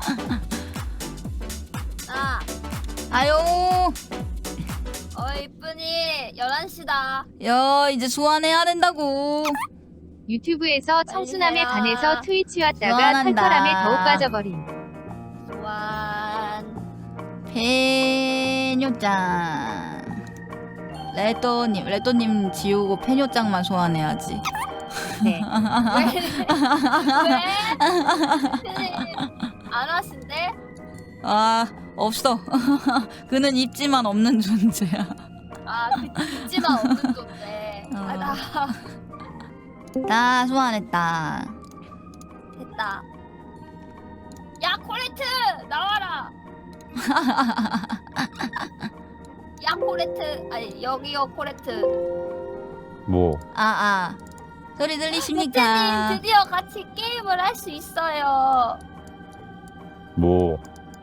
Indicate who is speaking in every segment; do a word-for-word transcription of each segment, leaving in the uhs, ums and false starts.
Speaker 1: 아,
Speaker 2: 아유.
Speaker 1: 어 이쁜이 열한 시다.
Speaker 2: 야 이제 소환해야 된다고.
Speaker 3: 유튜브에서 청순함에
Speaker 1: 해라.
Speaker 3: 반해서 트위치 왔다가
Speaker 2: 소환한다.
Speaker 3: 털털함에 더욱 빠져버린.
Speaker 1: 소환.
Speaker 2: 페뇨짱. 레또님, 레또님 지우고 페뇨짱만 소환해야지.
Speaker 3: 네.
Speaker 1: 왜? 왜? 안 하신대?
Speaker 2: 아 없어. 그는 입지만 없는 존재야.
Speaker 1: 아, 그 있지만 없는 건데.
Speaker 2: 어.
Speaker 1: 아, 나
Speaker 2: 나 소환했다.
Speaker 1: 됐다. 야, 코레트 나와라. 야, 코레트. 아니, 여기요, 코레트.
Speaker 4: 뭐
Speaker 2: 아아 소리 들리십니까?
Speaker 1: 대표님 드디어 같이 게임을 할 수 있어요.
Speaker 4: 뭐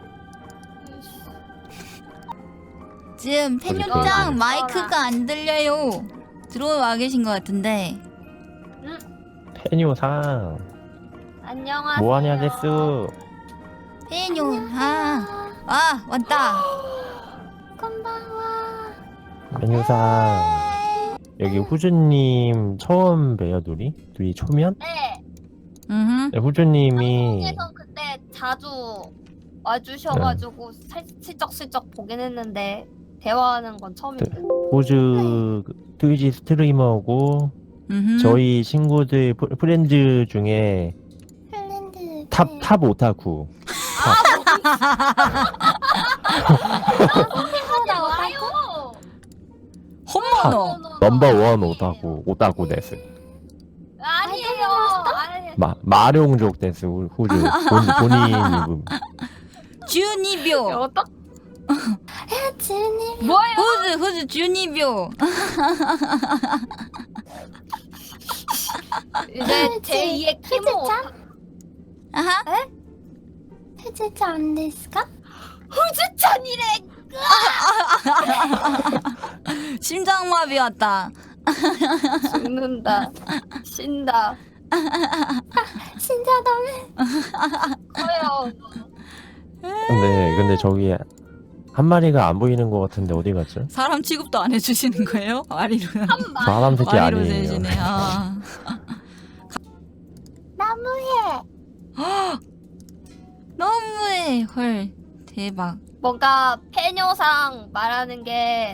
Speaker 2: 지금
Speaker 4: 소리
Speaker 2: 페뇨짱
Speaker 4: 들리네.
Speaker 2: 마이크가 안 들려요. 들어와 계신 것 같은데.
Speaker 4: 페뇨상
Speaker 1: 안녕하세요.
Speaker 4: 뭐하냐 데스.
Speaker 2: 페뇨 아, 아 왔다.
Speaker 1: 건방와.
Speaker 4: 페뇨상 여기 후주님 처음 뵈요 둘이? 둘이 초면?
Speaker 1: 네.
Speaker 2: 음.
Speaker 4: 네, 후주님이
Speaker 1: 방송에서 그때 자주 와주셔가지고 살, 슬쩍슬쩍 보긴 했는데 대화하는 건 처음인데.
Speaker 4: 후주 트위치 스트리머고
Speaker 2: 음.
Speaker 4: 저희 친구들 프- 프렌드 중에
Speaker 1: 핀란드.
Speaker 4: 탑 탑 오타쿠.
Speaker 1: 나와요.
Speaker 2: 홈모노.
Speaker 4: 넘버 원 오타쿠 오타쿠 데스.
Speaker 1: 아니에요. 아니.
Speaker 4: 마 마룡족 데스 후- 후주 본, 본인 이름.
Speaker 2: 주니뷰.
Speaker 1: 어떡? 주님. 뭐예요?
Speaker 2: 후즈 후즈 주니뷰.
Speaker 1: 이제 제이의 키모.
Speaker 2: 아하.
Speaker 1: 해제자ですか? 후즈천이래.
Speaker 2: 심장마비 왔다.
Speaker 1: 죽는다. 신다. 신자다며. 커요.
Speaker 4: 근데 근데 저기 한 마리가 안 보이는 것 같은데 어디 갔죠?
Speaker 2: 사람 취급도 안 해주시는 거예요? 아리로.
Speaker 4: 사람 새끼
Speaker 2: 아리로
Speaker 4: 아니에요.
Speaker 2: 세시네. 아.
Speaker 1: 나무해.
Speaker 2: 너무해. 헐 대박.
Speaker 1: 뭔가 페뇨상 말하는 게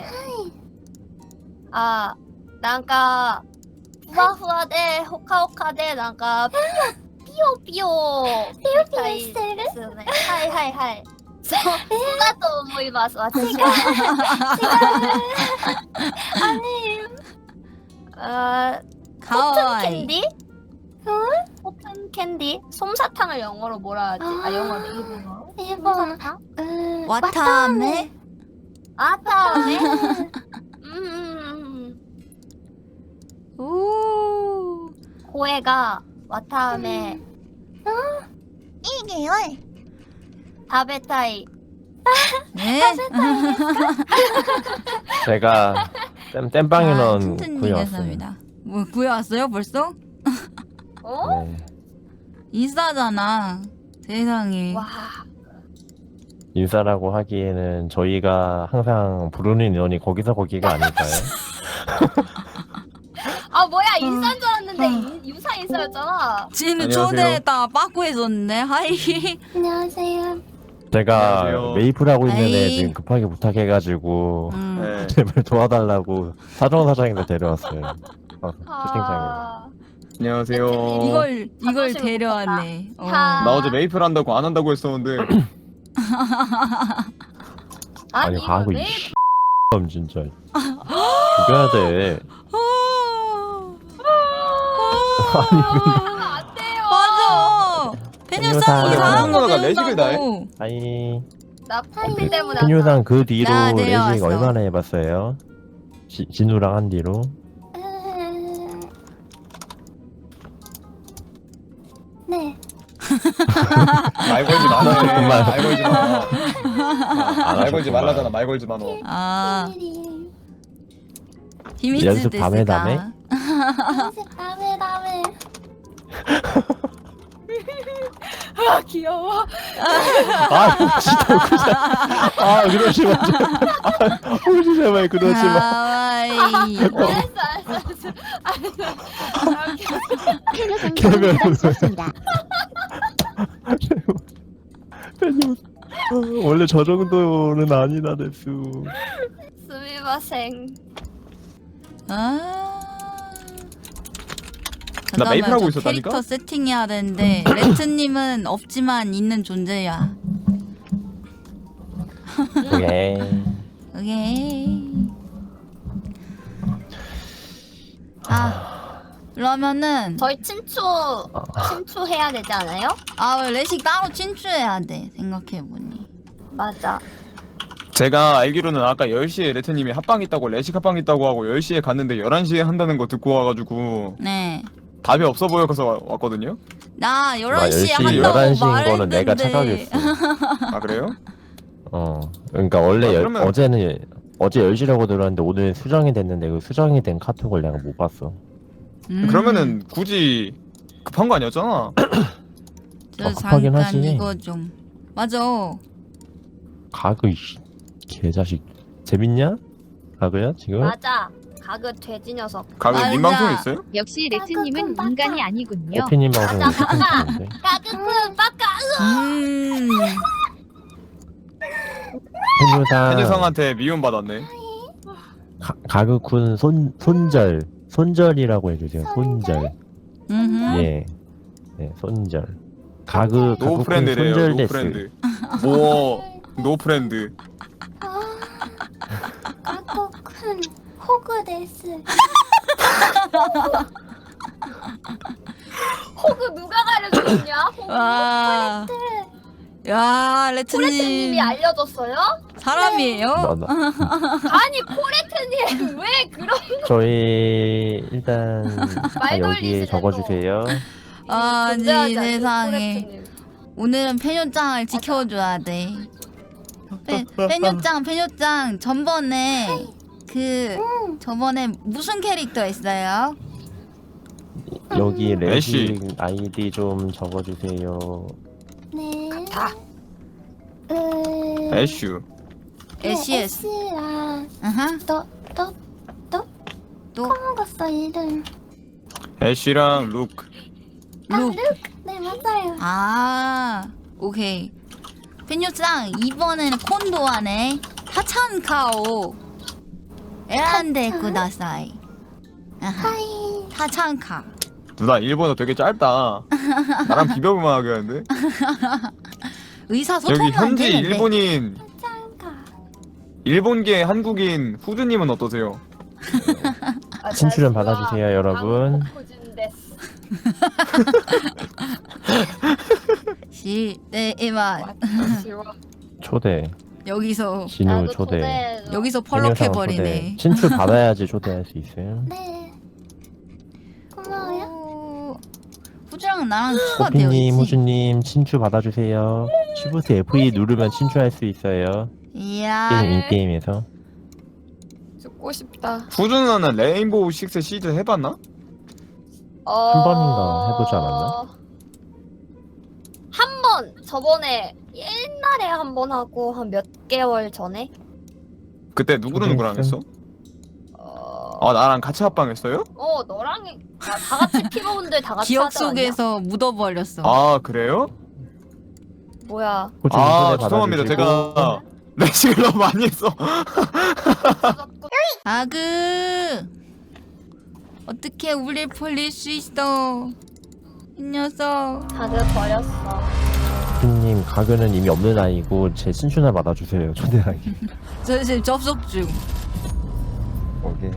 Speaker 1: あ、なんかふわふわでほかほかでなんかピヨピヨピヨピヨしてるですよね。はいはいはい。そう、そうだと思います。私が。違う。違う。아니. 아, 코튼
Speaker 2: 가와이.
Speaker 1: 캔디? 코튼 캔디? 솜사탕을 영어로 뭐라 하지? 아, 영어로 일본어로? 일본어.
Speaker 2: 와타메.
Speaker 1: 아타메? 음.
Speaker 2: 오.
Speaker 1: 고해가 와타메. 이게요. 다베타이.
Speaker 2: 네.
Speaker 4: 제가 땜, 땜빵인원 구해왔어요.
Speaker 2: 감사합니다. 뭐 구해왔어요 벌써?
Speaker 1: 어?
Speaker 4: 네.
Speaker 2: 인싸잖아. 세상에.
Speaker 1: 와.
Speaker 4: 인싸라고 하기에는 저희가 항상 부르는 인원이 거기서 거기가 아닐까요?
Speaker 1: 아 뭐야 인싸인 줄 알았는데 인- 유사 인싸였잖아.
Speaker 2: 지금
Speaker 5: 안녕하세요.
Speaker 2: 초대했다 빠꾸해줬네. 하이.
Speaker 1: 안녕하세요.
Speaker 4: 제가
Speaker 5: 안녕하세요.
Speaker 4: 메이플하고 있는 애
Speaker 2: 아이.
Speaker 4: 지금 급하게 부탁해가지고
Speaker 2: 음.
Speaker 5: 네.
Speaker 4: 제발 도와달라고 사정사장인데 데려왔어요. 어, 채팅창에.
Speaker 1: 아.
Speaker 5: 안녕하세요.
Speaker 2: 이걸 이걸
Speaker 1: 자존심
Speaker 2: 데려왔네. 어.
Speaker 1: 하.
Speaker 5: 나 어제 메이플 한다고 안 한다고 했었는데
Speaker 4: 아니
Speaker 1: 이거
Speaker 4: 하고
Speaker 1: 왜-
Speaker 4: 이 X 진짜 죽여야 돼.
Speaker 1: 그러면 안 돼요.
Speaker 2: 맞아. 페뉴상
Speaker 4: 페뉴상.
Speaker 2: 이상한 거
Speaker 5: 페뉴상가 레식을 다 해?
Speaker 2: 배운다고.
Speaker 4: 아이
Speaker 1: 나 팬티 때문에.
Speaker 4: 한유상 그 뒤로
Speaker 2: 나
Speaker 4: 레식
Speaker 2: 내려왔어.
Speaker 4: 얼마나 해봤어요? 지, 진우랑 한 뒤로.
Speaker 1: 네.
Speaker 5: 말 걸지 말아.
Speaker 4: 정말.
Speaker 5: 말 걸지 마.
Speaker 4: 안
Speaker 5: 말 걸지
Speaker 4: 하셨구만.
Speaker 5: 말라잖아. 말 걸지 마 너.
Speaker 2: 아. 힘이
Speaker 4: 연습 밤에 밤에?
Speaker 1: 다음에 다음에. 아 귀여워.
Speaker 4: 아 진짜 그냥 아 그러지 마. 아, 혹시 제발 그러지 마.
Speaker 2: 하와이.
Speaker 1: 알았어 알았어 알았어.
Speaker 6: 페뇨
Speaker 4: 개별
Speaker 6: 상담 부탁드렸습니다.
Speaker 4: 팬님 어, 원래 저 정도는 아니다 데수.
Speaker 1: 스미마생.
Speaker 2: 아.
Speaker 5: 나 메이플 하고
Speaker 2: 잠깐만, 저
Speaker 5: 있었다니까?
Speaker 2: 캐릭터 세팅해야 되는데 레트님은 없지만 있는 존재야.
Speaker 4: 오케이.
Speaker 2: 오케이. 아 그러면은
Speaker 1: 저희 친추 친추해야 되지 않아요?
Speaker 2: 아 레식 따로 친추해야 돼 생각해보니.
Speaker 1: 맞아.
Speaker 5: 제가 알기로는 아까 열 시에 레트님이 합방 있다고 레식 합방 있다고 하고 열 시에 갔는데 열한 시에 한다는 거 듣고 와가지고
Speaker 2: 네.
Speaker 5: 답이 없어 보여서 와- 왔거든요.
Speaker 2: 나 열한 시에
Speaker 4: 열 시,
Speaker 2: 한다고
Speaker 4: 열한 시인
Speaker 2: 말했는데.
Speaker 4: 거는 내가 착각했어.
Speaker 5: 아 그래요?
Speaker 4: 어. 그러니까 원래
Speaker 5: 아,
Speaker 4: 열-
Speaker 5: 그러면-
Speaker 4: 어제는 어제 열 시라고 들었는데 오늘 수정이 됐는데 그 수정이 된 카톡을 내가 못 봤어.
Speaker 2: 음,
Speaker 5: 그러면은 굳이 급한 거 아니었잖아.
Speaker 2: 저
Speaker 4: 어, 급하긴
Speaker 2: 잠깐
Speaker 4: 하지.
Speaker 2: 이거 좀 맞아.
Speaker 4: 가그 이씨, 개자식 재밌냐? 가그야 지금?
Speaker 1: 맞아. 가그 돼지 녀석.
Speaker 5: 가그
Speaker 2: 맞아.
Speaker 5: 민방송 있어요?
Speaker 3: 역시 레트님은 인간이 아니군요.
Speaker 4: 오피님 방송
Speaker 1: 맞아, 맞아.
Speaker 4: 있는데
Speaker 1: 가그쿤 빠까.
Speaker 2: 음.
Speaker 4: 팬유상
Speaker 5: 해녀상한테 미움 받았네.
Speaker 4: 가그쿤 손 손절 손절이라고 해주세요. 손절.
Speaker 2: 음.
Speaker 4: 예. 네 손절. 가그
Speaker 5: 노
Speaker 4: 가그쿤
Speaker 5: 프렌드래요.
Speaker 4: 손절
Speaker 5: 노
Speaker 4: 데스.
Speaker 5: 프렌드. 뭐노 프렌드.
Speaker 6: 가토큰 호그 데스.
Speaker 1: 호그 누가 가르쳐줬냐? 호그.
Speaker 2: 와. 야 레트님
Speaker 1: 코레트님이 알려줬어요?
Speaker 2: 사람이에요?
Speaker 4: 나, 나.
Speaker 1: 아니 코레트님 왜 그런
Speaker 4: 저희 일단 다
Speaker 1: 말
Speaker 4: 여기에
Speaker 1: 돌리시네,
Speaker 4: 적어주세요.
Speaker 2: 아니
Speaker 1: 존재하지 않는
Speaker 2: 세상에.
Speaker 1: 코레트님.
Speaker 2: 오늘은 페뇨짱을 지켜줘야 돼. 페, 페뇨짱 페뇨짱 전번에 그 저번에 무슨 캐릭터 했어요?
Speaker 4: 여기
Speaker 5: 애쉬.
Speaker 4: 레식 아이디 좀 적어주세요.
Speaker 6: 네.
Speaker 1: 다.
Speaker 6: 으.
Speaker 5: 애슈.
Speaker 2: 에시에스.
Speaker 6: S랑
Speaker 2: 아하.
Speaker 6: 또또
Speaker 2: 또
Speaker 6: 까먹었어 이름.
Speaker 5: 애쉬랑 루크.
Speaker 2: 룩.
Speaker 6: 네 맞아요.
Speaker 2: 아 오케이. 페뇨짱 이번에는 콘도하네. 하찬카오. 에란데 쿠다사이. 아하.
Speaker 6: 하이.
Speaker 2: 하찬카.
Speaker 5: 누나 일본어 되게 짧다. 나랑 비벼보면 하겠는데?
Speaker 2: 의사소통이
Speaker 5: 여기
Speaker 2: 안
Speaker 5: 현지
Speaker 2: 되는데.
Speaker 5: 일본인
Speaker 6: 짱가.
Speaker 5: 일본계 한국인 후드님은 어떠세요?
Speaker 1: 아,
Speaker 4: 친추 좀
Speaker 1: 다시와
Speaker 4: 받아주세요, 여러분.
Speaker 1: 한국 데스.
Speaker 2: 시대에만
Speaker 1: 다시와.
Speaker 4: 초대.
Speaker 2: 여기서
Speaker 4: 진우
Speaker 1: 나도
Speaker 4: 초대.
Speaker 1: 초대해줘.
Speaker 2: 여기서
Speaker 4: 팬유상
Speaker 2: 펄럭해버리네.
Speaker 4: 초대. 친추 받아야지 초대할 수 있어요.
Speaker 6: 네. 고마워요.
Speaker 2: 오, 후주랑 나랑 추가되어
Speaker 4: 호피님,
Speaker 2: 있지.
Speaker 4: 호주님 친추 받아주세요. 시프트 에프이 누르면 친추할 수 있어요.
Speaker 2: 이야.
Speaker 4: 게임 인게임에서.
Speaker 1: 죽고 싶다.
Speaker 5: 후드 누나는 레인보우 식스 시즌 해봤나?
Speaker 1: 어...
Speaker 4: 한 번인가 해보지 않았나?
Speaker 1: 한 번 저번에 옛날에 한 번 하고 한 몇 개월 전에.
Speaker 5: 그때 누구랑 누구랑 했어?
Speaker 1: 어,
Speaker 5: 아 나랑 같이 합방했어요?
Speaker 1: 어 너랑 해- 아, 다 같이 피부분들 다 같이
Speaker 2: 기억
Speaker 1: 하지 않았냐?
Speaker 2: 속에서 묻어버렸어.
Speaker 5: 아 그래요?
Speaker 1: 뭐야?
Speaker 4: 호주님
Speaker 5: 아
Speaker 4: 초대
Speaker 5: 죄송합니다.
Speaker 4: 받아주시고.
Speaker 5: 제가 레식을 너무 많이 했어.
Speaker 2: 아그 어떻게 우릴 벌릴 수 있어? 이 녀석.
Speaker 1: 다들 버렸어.
Speaker 4: 호피님 가그는 이미 없는 아이고 제 친추나 받아주세요. 초대하기.
Speaker 2: 저 지금 접속 중.
Speaker 4: 오케이.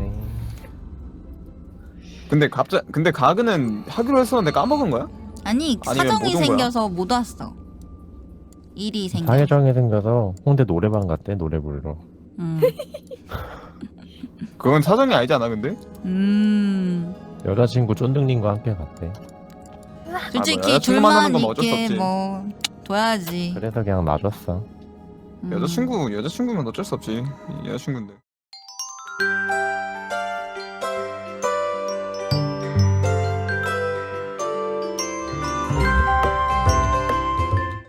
Speaker 5: 근데 갑자 근데 가그는 하기로 했었는데 까먹은 거야?
Speaker 2: 아니
Speaker 5: 아니면
Speaker 2: 사정이
Speaker 5: 못 온 거야?
Speaker 2: 생겨서 못 왔어. 일이 생겨.
Speaker 4: 사회정이 생겨서 홍대 노래방 갔대 노래 부르러.
Speaker 2: 음.
Speaker 5: 그건 사정이 아니잖아 근데.
Speaker 2: 음.
Speaker 4: 여자친구 쫀득님과 함께 갔대.
Speaker 2: 솔직히
Speaker 5: 뭐 여자친구만 하는
Speaker 2: 둘만
Speaker 5: 건 어쩔 수
Speaker 2: 있게
Speaker 5: 없지.
Speaker 2: 뭐 둬야지.
Speaker 4: 그래서 그냥 놔줬어.
Speaker 2: 음.
Speaker 5: 여자친구 여자친구면 어쩔 수 없지. 여자친구인데.